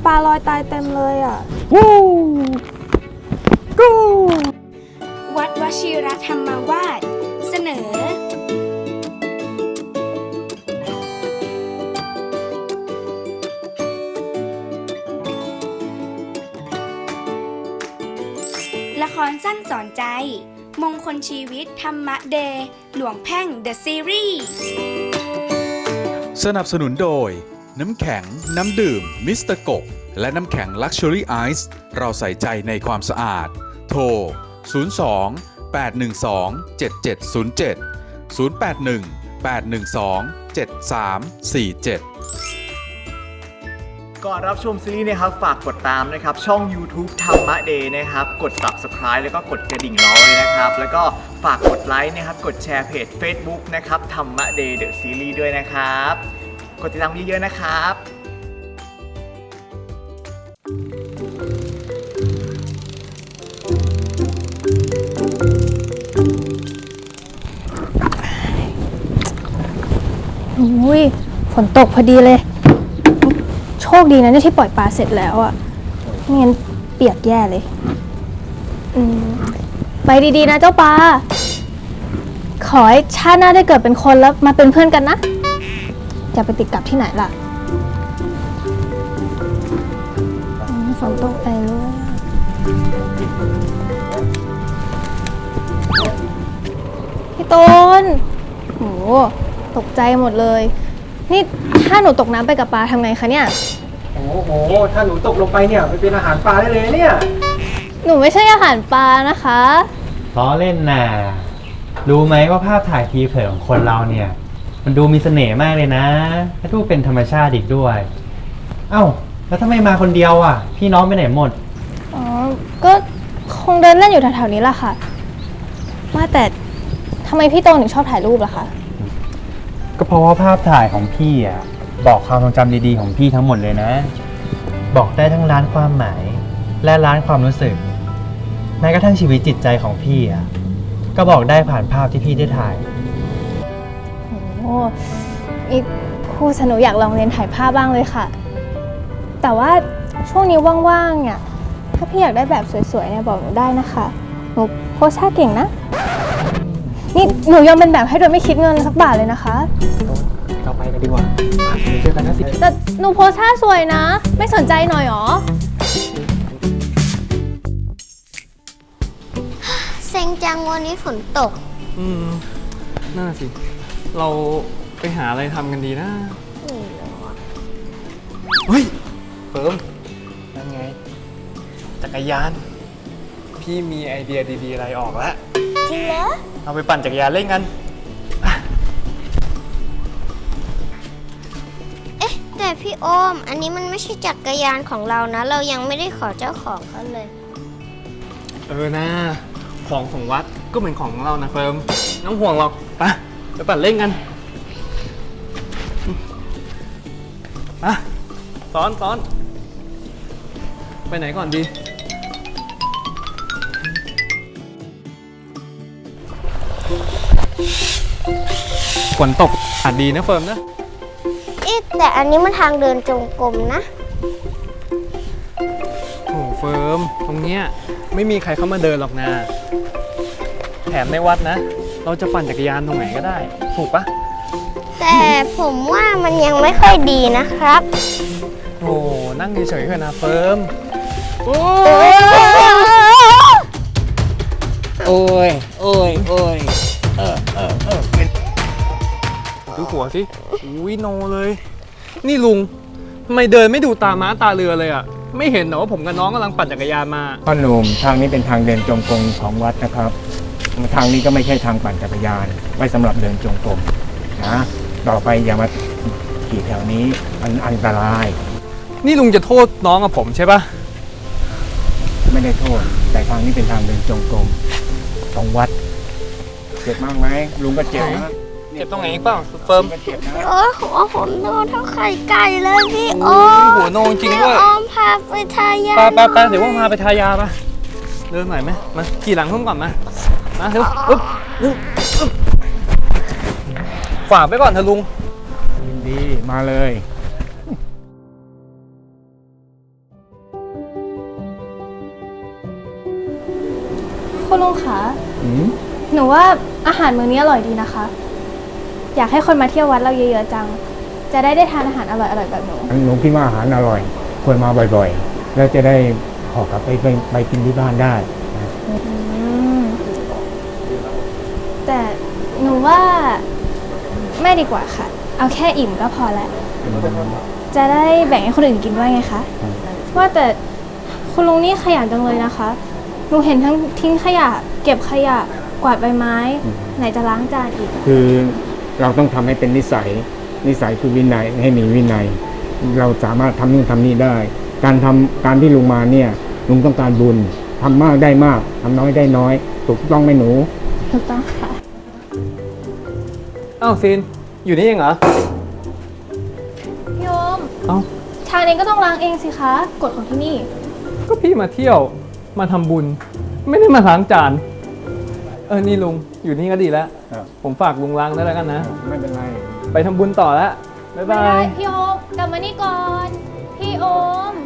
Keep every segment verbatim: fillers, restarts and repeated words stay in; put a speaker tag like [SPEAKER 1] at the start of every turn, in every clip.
[SPEAKER 1] ปลาลอยตายเต็มเลยอ่ะวู้กู
[SPEAKER 2] วัดวชิรธรรมวาสเสนอละครสั้นสอนใจมงคลชีวิตธรรมะเดย์หลวงแพ่งเดอะซีรีส์
[SPEAKER 3] สนับสนุนโดยน้ำแข็งน้ำดื่มมิสเตอร์กบและน้ำแข็งลักชัวรี่ไอซ์เราใส่ใจในความสะอาดโทรศูนย์ สอง แปด หนึ่ง สอง เจ็ด เจ็ด ศูนย์ เจ็ด ศูนย์ แปด หนึ่ง แปด หนึ่ง สอง เจ็ด สาม สี่ เจ็ด
[SPEAKER 4] ก่อนรับชมซีรีส์นะครับฝากกดตามนะครับช่อง YouTube ธรรมะเดย์นะครับกด Subscribe แล้วก็กดกระดิ่งรอไว้นะครับแล้วก็ฝากกดไลค์นะครับกดแชร์เพจ Facebook นะครับธรรมะเดย์เดอะซีรีส์ด้วยนะครับกดติดตามเยอะๆนะครับ
[SPEAKER 1] อุ้ยฝนตกพอดีเลยโชคดีนะเนี่ยที่ปล่อยปลาเสร็จแล้วอ่ะไม่งั้นเปียกแย่เลยอืมไปดีๆนะเจ้าปลาขอให้ชาติหน้าได้เกิดเป็นคนแล้วมาเป็นเพื่อนกันนะอย่าไปติดกับที่ไหนล่ะฝนตกไปเลยพี่ต้นโหตกใจหมดเลยนี่ถ้าหนูตกน้ำไปกับปลาทำไงคะเนี่ย
[SPEAKER 5] โอ้โหถ้าหนูตกลงไปเนี่ยไปเป็นอาหารปลาได้เลยเนี่ย
[SPEAKER 1] หนูไม่ใช่อาหารปลานะคะ
[SPEAKER 6] ล้อเล่นน่ะรู้ไหมว่าภาพถ่ายทีเผยของคนเราเนี่ยมันดูมีเสน่ห์มากเลยนะและดูเป็นธรรมชาติอีกด้วยเอ้าแล้วทำไมมาคนเดียวอ่ะพี่น้องไปไหนหมด
[SPEAKER 1] อ๋อก็คงเดินเล่นอยู่แถวๆนี้แหละค่ะว่าแต่ทำไมพี่โตถึงชอบถ่ายรูปล่ะคะ
[SPEAKER 6] ก็เพราะว่าภาพถ่ายของพี่อ่ะบอกความทรงจำดีๆของพี่ทั้งหมดเลยนะบอกได้ทั้งล้านความหมายและล้านความรู้สึกแม้กระทั่งชีวิตจิตใจของพี่อ่ะก็บอกได้ผ่านภาพที่พี่ได้ถ่าย
[SPEAKER 1] โอ้อีครูสนุอยากลองเรียนถ่ายภาพบ้างเลยค่ะแต่ว่าช่วงนี้ว่างๆเนี่ยถ้าพี่อยากได้แบบสวยๆเนี่ยบอกหนูได้นะคะหนูโพสท่าเก่งนะนี่หนูยอมเป็นแบบให้โดยไม่คิดเงินสักบาทเลยนะคะ
[SPEAKER 5] เราไปกันดีกว่าเจอกันนะสิ
[SPEAKER 1] แต่หนูโพสท่าสวยนะไม่สนใจหน่อยหรอ
[SPEAKER 7] เซ็งจังวันนี้ฝนตก
[SPEAKER 8] อืมน่าสิเราไปหาอะไรทำกันดีนะเฮ้ยเฟิร์มนั่นไงจักรยานพี่มีไอเดียดีๆอะไรออกแล้ว
[SPEAKER 7] จริงเหรอ
[SPEAKER 8] เอาไปปั่นจักรยานเล่นกัน
[SPEAKER 7] เอ๊ะแต่พี่โอมอันนี้มันไม่ใช่จักรยานของเรานะเรายังไม่ได้ขอเจ้าของเขาเลย
[SPEAKER 8] เออนะของของวัดก็เหมือนของเรานะเฟิร์มน้องห่วงหรอกไปไปปั่นเล่นกันอ่ะซ้อนซ้อนไปไหนก่อนดีฝนตกอาจดีนะเฟิร์มนะ
[SPEAKER 7] เอ๊ะแต่อันนี้มันทางเดินจงกรมนะ
[SPEAKER 8] โอ้เฟิร์มตรงเนี้ยไม่มีใครเข้ามาเดินหรอกนะแถมในวัดนะเราจะปั่นจักรยานตรงไหนก็ได้ถูกปะ
[SPEAKER 7] แต่ผมว่ามันยังไม่ค่อยดีนะครับ
[SPEAKER 8] โอ้นั่งเฉยๆเถอะนะเฟิร์มโอ้ย
[SPEAKER 5] โอ้ยโอ้ยโอ้ยเออเออเออ
[SPEAKER 8] ดูหัวสิอุ้ยโนเลยนี่ลุงทำไมเดินไม่ดูตาม้าตาเรือเลยอ่ะไม่เห็นเหรอว่าผมกับน้องกำลังปั่นจักรยานมา
[SPEAKER 5] พ่อหนุ่มทางนี้เป็นทางเดินจงกรมของวัดนะครับทางนี้ก็ไม่ใช่ทางปั่นจักรยานไว้สำหรับเดินจงกรมนะต่อไปอย่ามาขี่แถวนี้มันอันตราย
[SPEAKER 8] นี่ลุงจะโทษน้องกับผมใช่ปะ
[SPEAKER 5] ไม่ได้โทษแต่ทางนี้เป็นทางเดินจงกรมของวัดเจ็บมากไหมลุงก็เจ็บนะ
[SPEAKER 8] เจ็บตรงไหนอีกเปล่าเฟิร์ม
[SPEAKER 7] โอ้หัวผมโนเท่าไข่ไก่เลยพี่โอม
[SPEAKER 8] หัวโนจริงด้วย
[SPEAKER 7] พี่โอมพาไปทายา
[SPEAKER 8] ไปไปไปเดี๋ยวว่าพาไปทายาปะเดินหน่อยไหมมาขี่หลังเพิ่มก่อนมามาเร็วอึ๊บอึ๊บอึ๊บฝากไปก่อนเถอะลุง
[SPEAKER 5] ยินดีมาเลย
[SPEAKER 7] เอ๊ะแต่อันนี้มันทางเดินจงกรมนะ
[SPEAKER 5] เดินจงกรมของวัดนะ
[SPEAKER 8] เออนะขอขอบคุณมากนะเฟิร์ม
[SPEAKER 5] เดินจงกรมของวัด
[SPEAKER 8] เฟิร์ม
[SPEAKER 5] มาเลย
[SPEAKER 8] เ
[SPEAKER 1] คุณลุงคะ
[SPEAKER 5] อืม
[SPEAKER 1] หนูว่าอาหารมื้อนี้อร่อยดีนะคะ อยากให้คนมาเที่ยววัดเราเยอะๆจัง จะได้ได้ทานอาหารอร่อยๆแบบหนู
[SPEAKER 5] หนูคิดว่าอาหารอร่อย ควรมาบ่อยๆ แล้วจะได้ขอกลับไปไปไปกินที่บ้านได้นะ
[SPEAKER 1] อืมแต่หนูว่าไม่ดีกว่าค่ะ เอาแค่อิ่มก็พอแล้ว จะได้แบ่งให้คนอื่นกินด้วยไงคะ ว่าแต่คุณลุงนี่ขยันจังเลยนะคะ หนูเห็นทั้งทิ้งขยะ เก็บขยะ กวาดใบไม้ ไหนจะล้างจานอีก
[SPEAKER 5] คือเราต้องทำให้เป็นนิสัย นิสัยคือวินัยให้มีวินัย เราสามารถทำนู่นทำนี่ได้ การทำการที่ลุงมาเนี่ยลุงต้องการบุญทำมากได้มากทำน้อยได้น้อย ถูกต้องไหมหนู
[SPEAKER 1] ถูกต้องค่ะ
[SPEAKER 8] อ้าวซีน อยู่นี่เองเหรอ
[SPEAKER 1] พี่โอม
[SPEAKER 8] เอ้า
[SPEAKER 1] ชาเองก็ต้องล้างเองสิคะ กฎของที่นี่
[SPEAKER 8] ก็พี่มาเที่ยว มาทำบุญ ไม่ได้มาล้างจาน เออ นี่ลุง อยู่นี่ก็ดีแล้ว
[SPEAKER 5] ครับ
[SPEAKER 8] ผมฝากลุงล้างได้แล้วกันนะ
[SPEAKER 5] ไม่เป็นไร
[SPEAKER 8] ไปทำบุญต่อแล้ว บ๊าย
[SPEAKER 1] ไม่
[SPEAKER 8] บา
[SPEAKER 1] ได้
[SPEAKER 8] ย
[SPEAKER 1] พี่โอมกลับมานี่ก่อน พี่โอม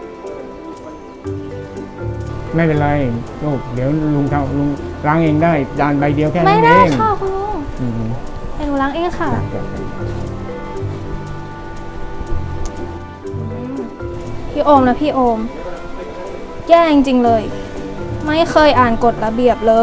[SPEAKER 5] ไม่เป็นไรลูกเดี๋ยวลุงทำลุงล้างเองได้จานใบเดียวแค่
[SPEAKER 1] ไม่
[SPEAKER 5] นั้น
[SPEAKER 1] ได้
[SPEAKER 5] เอง
[SPEAKER 1] ค่ะคุณลุง
[SPEAKER 5] อืม
[SPEAKER 1] เดี๋ยวหนูล้างเองค่ะ พี่โอมนะพี่โอม แย่จริงๆเลย ไม่เคยอ่านกฎระเบียบเลย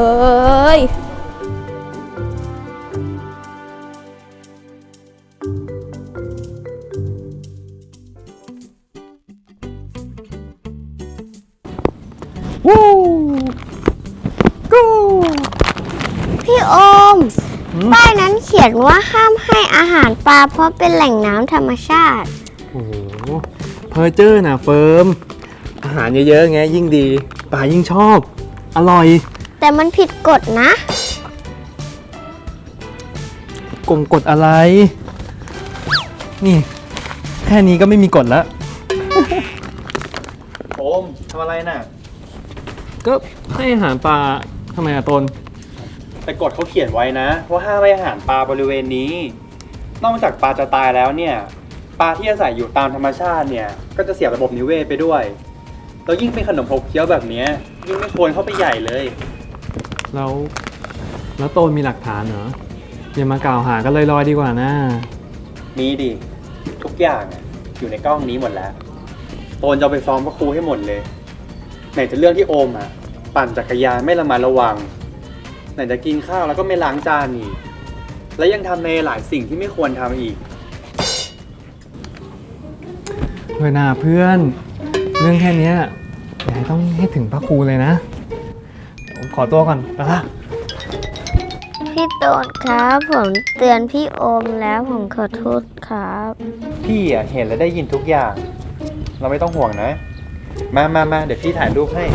[SPEAKER 7] พี่โอม ป้ายนั้นเขียนว่าห้ามให้อาหารปลาเพราะเป็นแหล่งน้ำธรรมชาติ
[SPEAKER 8] โอ้โห เพอร์เจอร์นะเฟิร์ม อาหารเยอะๆไงยิ่งดีป่ายิ่งชอบ อร่อย
[SPEAKER 7] แต่มันผิดกฎนะ
[SPEAKER 8] กงกฎอะไร นี่ แค่นี้ก็ไม่มีกฎแล้ว
[SPEAKER 6] โอมทำอะไรน่ะ
[SPEAKER 8] ก็ให้อาหารปลาทำไมอะตน
[SPEAKER 6] แต่กฎเขาเขียนไว้นะว่าห้ามให้อาหารปลาบริเวณนี้ นอกจากปลาจะตายแล้วเนี่ยปลาที่อาศัยอยู่ตามธรรมชาติเนี่ยก็จะเสียระบบนิเวศไปด้วยแล้วยิ่งเป็นขนมขบเคี้ยวแบบเนี้ยยิ่งไม่ควรเข้าไปใหญ่เลย
[SPEAKER 8] แล้ว แล้วโตนมีหลักฐานเหรอ อย่ามากล่าวหากันลอยๆดีกว่านะ
[SPEAKER 6] มีดิทุกอย่างอะอยู่ในกล้องนี้หมดแล้วโอนจะเอาไปฟ้องพระครูให้หมดเลยไหนจะเรื่องที่โอมอ่ะปั่นจักรยานไม่ระมัดระวังไหนจะกินข้าวแล้วก็ไม่ล้างจานอีกและยังทำในหลายสิ่งที่ไม่ควรทำอีก
[SPEAKER 8] เฮ้ยนาเพื่อน เรื่องแค่เนี้ยอย่าให้ต้องให้ถึงพระครูเลยนะ ผมขอตัวก่อนไปละ
[SPEAKER 7] พี่โตนครับผมเตือนพี่โอมแล้วผมขอโทษครับ
[SPEAKER 6] พี่อ่ะเห็นและได้ยินทุกอย่าง เราไม่ต้องห่วงนะ มามามาเดี๋ยวพี่ถ่ายรูปให้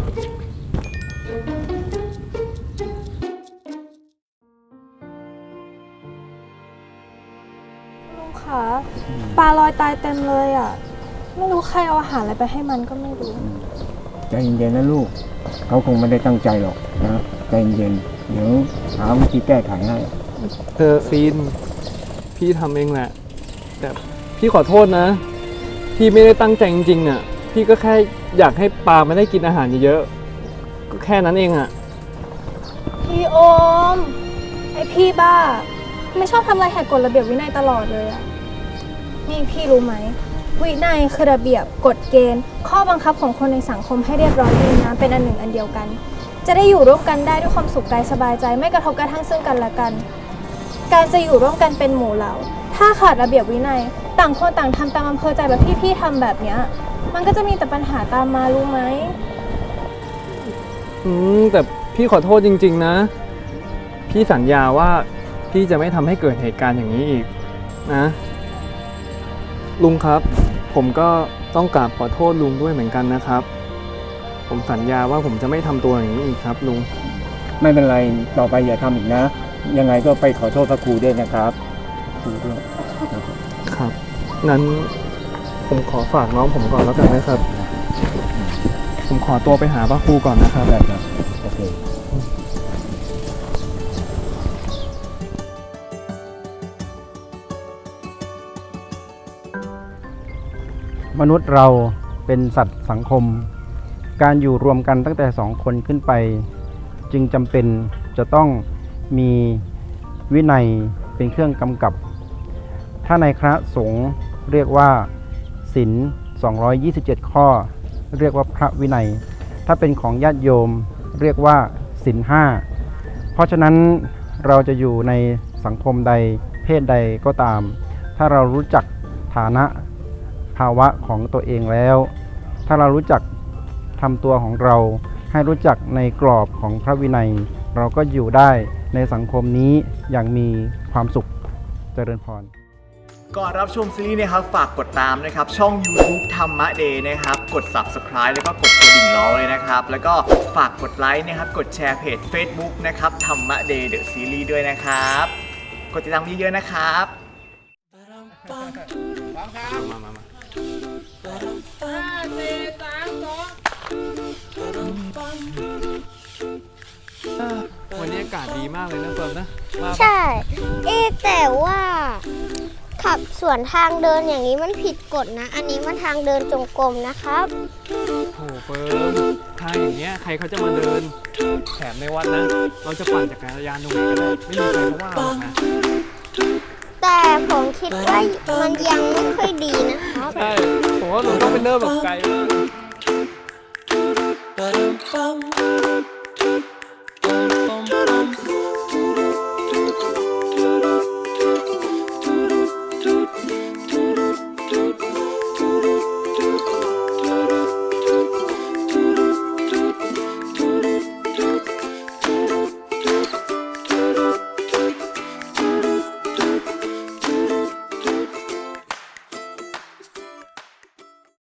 [SPEAKER 1] ลุงคะปลาลอยตายเต็มเลยอ่ะ ไม่รู้ใครเอาอาหารอะไรไปให้มันก็ไม่รู้
[SPEAKER 5] ใจเย็นๆนะลูก เขาคงไม่ได้ตั้งใจหรอกนะใจเย็นๆเดี๋ยวหาวิธีแก้ไขให้
[SPEAKER 8] เออซีน พี่ทำเองแหละ แต่พี่ขอโทษนะ พี่ไม่ได้ตั้งใจจริงๆเนี่ยพี่ก็แค่อยากให้ปลาไม่ได้กินอาหารเยอะๆ ก็แค่นั้นเองอะ
[SPEAKER 1] พี่โอม ไอพี่บ้า ไม่ชอบทำอะไรแหกกฎระเบียบวินัยตลอดเลยอ่ะ นี่พี่รู้ไหม วินัยคือระเบียบกฎเกณฑ์ ข้อบังคับของคนในสังคมให้เรียบร้อยดีนะเป็นอันหนึ่งอันเดียวกัน จะได้อยู่ร่วมกันได้ด้วยความสุขกายสบายใจ ไม่กระทบกระทั่งซึ่งกันและกัน การจะอยู่ร่วมกันเป็นหมู่เหล่า ถ้าขาดระเบียบวินัย ต่างคนต่างทำตามอำเภอใจแบบที่พี่ทำแบบเนี้ยมันก็จะมีแต่ปัญหาตามมารู้ไหม
[SPEAKER 8] อืมแต่พี่ขอโทษจริงๆนะ พี่สัญญาว่าพี่จะไม่ทำให้เกิดเหตุการณ์อย่างนี้อีกนะ ลุงครับ ผมก็ต้องกราบขอโทษลุงด้วยเหมือนกันนะครับ ผมสัญญาว่าผมจะไม่ทำตัวอย่างนี้อีกครับลุง
[SPEAKER 5] ไม่เป็นไรต่อไปอย่าทำอีกนะ ยังไงก็ไปขอโทษพระครูด้วยนะครับครูด้วยนะครับ
[SPEAKER 8] ครับงั้นผมขอฝากน้องผมก่อนแล้วกันนะครับ ผมขอตัวไปหาพระครูก่อนนะครับ
[SPEAKER 5] ได้ครับโอเค
[SPEAKER 9] มนุษย์เราเป็นสัตว์สังคม การอยู่รวมกันตั้งแต่สองคนขึ้นไปจึงจำเป็นจะต้องมีวินัยเป็นเครื่องกำกับ ถ้าในคณะสงฆ์เรียกว่าศีลสองร้อยยี่สิบเจ็ดข้อเรียกว่าพระวินัย ถ้าเป็นของญาติโยมเรียกว่าศีลห้าเพราะฉะนั้นเราจะอยู่ในสังคมใดเพศใดก็ตาม ถ้าเรารู้จักฐานะภาวะของตัวเองแล้ว ถ้าเรารู้จักทำตัวของเราให้รู้จักในกรอบของพระวินัย เราก็อยู่ได้ในสังคมนี้อย่างมีความสุขเจริญพร
[SPEAKER 4] ก่อนรับชมซีรีส์นะครับฝากกดตามนะครับช่อง YouTube ธรรมะเดย์นะครับกด Subscribe แล้วก็กดกระดิ่งล้อเลยนะครับแล้วก็ฝากกดไลค์นะครับกดแชร์เพจ Facebook นะครับธรรมะเดย์เดอะซีรีส์ด้วยนะครับกดติดตามเยอะๆนะครับ
[SPEAKER 8] วันนี้อากาศดีมากเลยนะเฟิร์มนะว่าปะ
[SPEAKER 7] ใช่ เอ๊ะแต่ว่าขับสวนทางเดินอย่างนี้มันผิดกฎนะ อันนี้มันทางเดินจงกรมนะครับ
[SPEAKER 8] โอ้เฟิร์มทางอย่างเงี้ยใครเขาจะมาเดินแถมในวัดนะ เราจะปั่นจักรยานตรงไหนก็ได้ไม่มีใครเขาว่าหรอกนะ
[SPEAKER 7] แต่ผมคิดว่ามันยังไม่ค่อยดีนะครับ
[SPEAKER 8] ใช่ผมว่าเราต้องไปเริ่มแบบไกลมาก